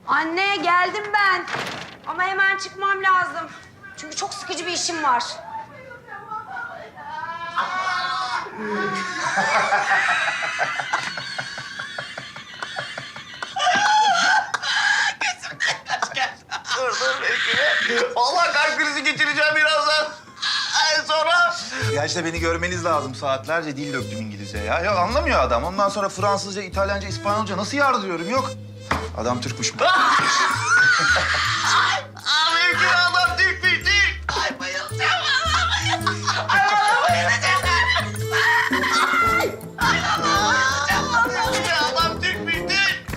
Anne geldim ben. Ama hemen çıkmam lazım. Çünkü çok sıkıcı bir işim var. Dur bekle. Vallahi kalp krizi geçireceğim birazdan. Sonra... Ya işte beni görmeniz lazım. Saatlerce dil döktüm İngilizce ya. Yok anlamıyor adam. Ondan sonra Fransızca, İtalyanca, İspanyolca nasıl yardırıyorum yok. Adam Türkmüş. Mümkün adam Türkmüş Türk. Ay bayılacağım. Ay valla bayılacağım. Ay valla bayılacağım. Vallahi adam Türkmüş Türk.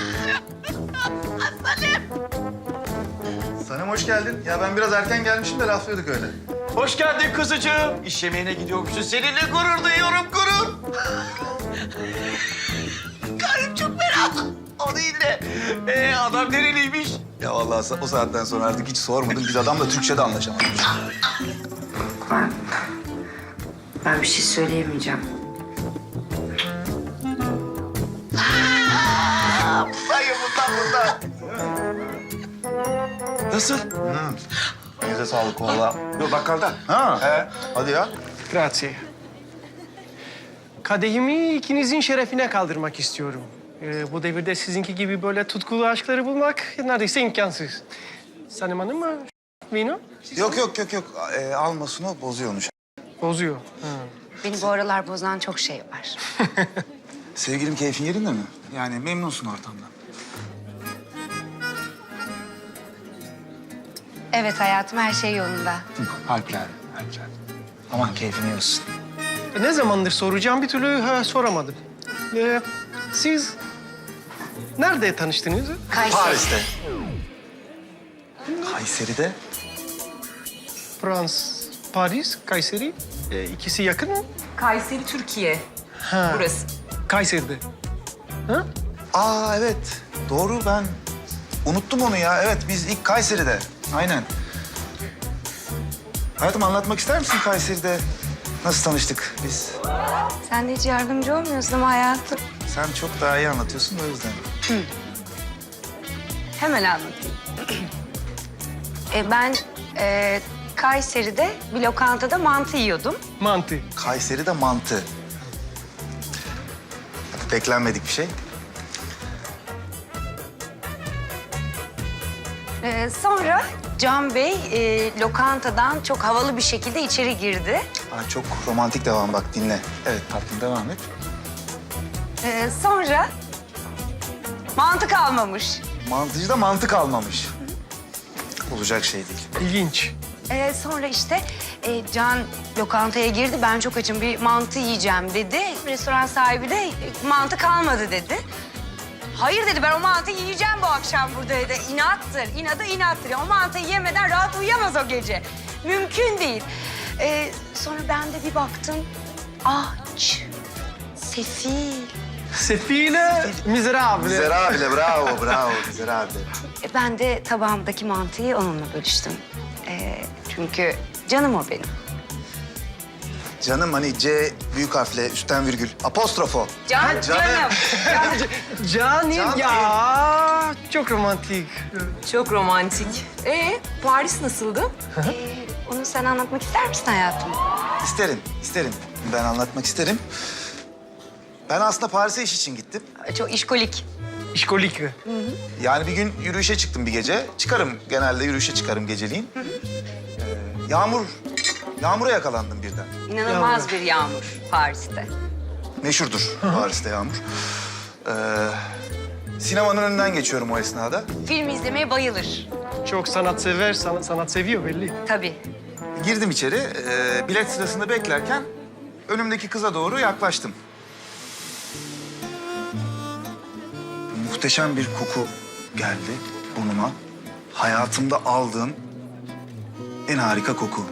Sanem hoş geldin. Ya ben biraz erken gelmişim de laflıyorduk öyle. Hoş geldin kızıcığım. İş yemeğine gidiyormuşsun. Seninle gurur duyuyorum, gurur. Karım çok merak. O değil de adam nereliymiş? Ya vallahi o saatten sonra artık hiç sormadım. Biz adamla Türkçe de anlaşamadık. Ben bir şey söyleyemeyeceğim. Sayı bundan. Nasıl? Elinize sağlık valla. Yok bakkalda. Ha? Hadi ya. Grazie. Kadehimi ikinizin şerefine kaldırmak istiyorum. Bu devirde sizinki gibi böyle tutkulu aşkları bulmak neredeyse imkansız. Sanem Hanım mı? Vino? Yok. Almasın o bozuyormuş. Bozuyor. Beni bu aralar bozan çok şey var. Sevgilim keyfin yerinde mi? Yani memnunsun ortamdan. Evet hayatım, her şey yolunda. Harpler. Aman keyfini yiyorsun. Ne zamandır soracağım bir türlü soramadım. Siz nerede tanıştınız? Kayseri. Paris'te. Kayseri'de. Paris, Kayseri. İkisi yakın mı? Kayseri, Türkiye. Ha. Burası. Kayseri'de. Ha? Aa evet. Doğru ben unuttum onu ya. Evet biz ilk Kayseri'de. Aynen. Hayatım anlatmak ister misin Kayseri'de nasıl tanıştık biz? Sen de hiç yardımcı olmuyorsun ama hayatım. Sen çok daha iyi anlatıyorsun da o yüzden. Hemen anlatayım. Ben Kayseri'de bir lokantada mantı yiyordum. Mantı. Kayseri'de mantı. Beklenmedik bir şey. Sonra Can Bey lokantadan çok havalı bir şekilde içeri girdi. Aa, çok romantik devam bak dinle. Evet tatlım devam et. Sonra mantı kalmamış. Mantıcıda mantık almamış. Olacak şey değil. İlginç. Sonra işte Can lokantaya girdi. Ben çok açım, bir mantı yiyeceğim dedi. Restoran sahibi de mantı kalmadı dedi. Hayır dedi, ben o mantıyı yiyeceğim bu akşam burada dedi. İnattır, inattır. O mantıyı yemeden rahat uyuyamaz o gece. Mümkün değil. Sonra ben de bir baktım. Aç, sefil. Sefile, miserable. Miserable, bravo, miserable. Ben de tabağımdaki mantıyı onunla bölüştüm. Çünkü canım o benim. Canım hani C büyük harfle üstten virgül apostrofo. Canım. Canım ya. Çok romantik. Çok romantik. Paris nasıldı? Onu sen anlatmak ister misin hayatım? İsterim. Ben anlatmak isterim. Ben aslında Paris'e iş için gittim. Çok işkolik. İşkolik. Yani bir gün yürüyüşe çıktım bir gece. Genelde yürüyüşe çıkarım geceliğin. Yağmura yakalandım birden. İnanılmaz bir yağmur Paris'te. Meşhurdur Paris'te yağmur. Sinemanın önünden geçiyorum o esnada. Film izlemeye bayılır. Çok sanatsever, sanat seviyor belli. Tabii. Girdim içeri. Bilet sırasında beklerken önümdeki kıza doğru yaklaştım. Muhteşem bir koku geldi burnuma. Hayatımda aldığım en harika koku.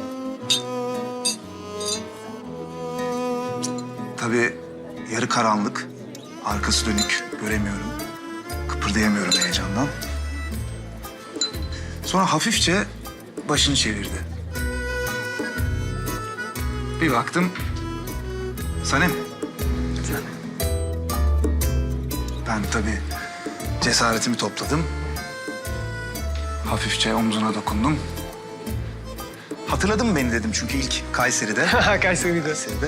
Tabii yarı karanlık, arkası dönük, göremiyorum. Kıpırdayamıyorum heyecandan. Sonra hafifçe başını çevirdi. Bir baktım, Sanem. Ben tabii Cesaretimi topladım. Hafifçe omzuna dokundum. Hatırladın mı beni dedim çünkü ilk Kayseri'de. Kayseri'de. Kayseri'de.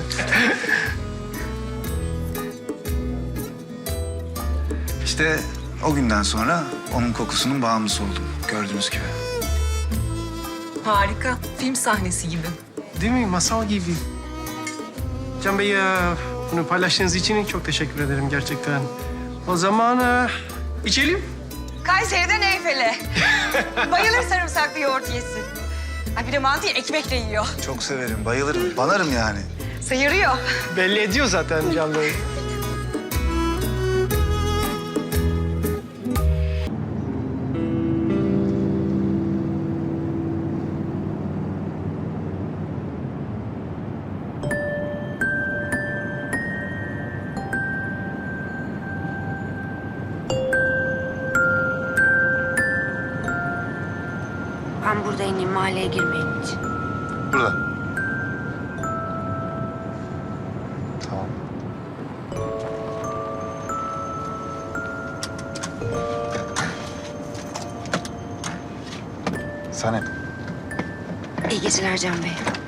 İşte o günden sonra onun kokusunun bağımlısı oldum gördüğünüz gibi. Harika. Film sahnesi gibi. Değil mi? Masal gibi. Can Bey, bunu paylaştığınız için çok teşekkür ederim gerçekten. O zaman içelim. Kayseri'den Eyfel'e. Bayılır sarımsaklı yoğurt yesin. Ay bir de mantıyı ekmekle yiyor. Çok severim, bayılırım, banarım yani. Sıyırıyor. Belli ediyor zaten Can Bey. Ben burada ineyim, mahalleye girmeyin hiç. Burada. Tamam. Sanem. İyi geceler Can Bey.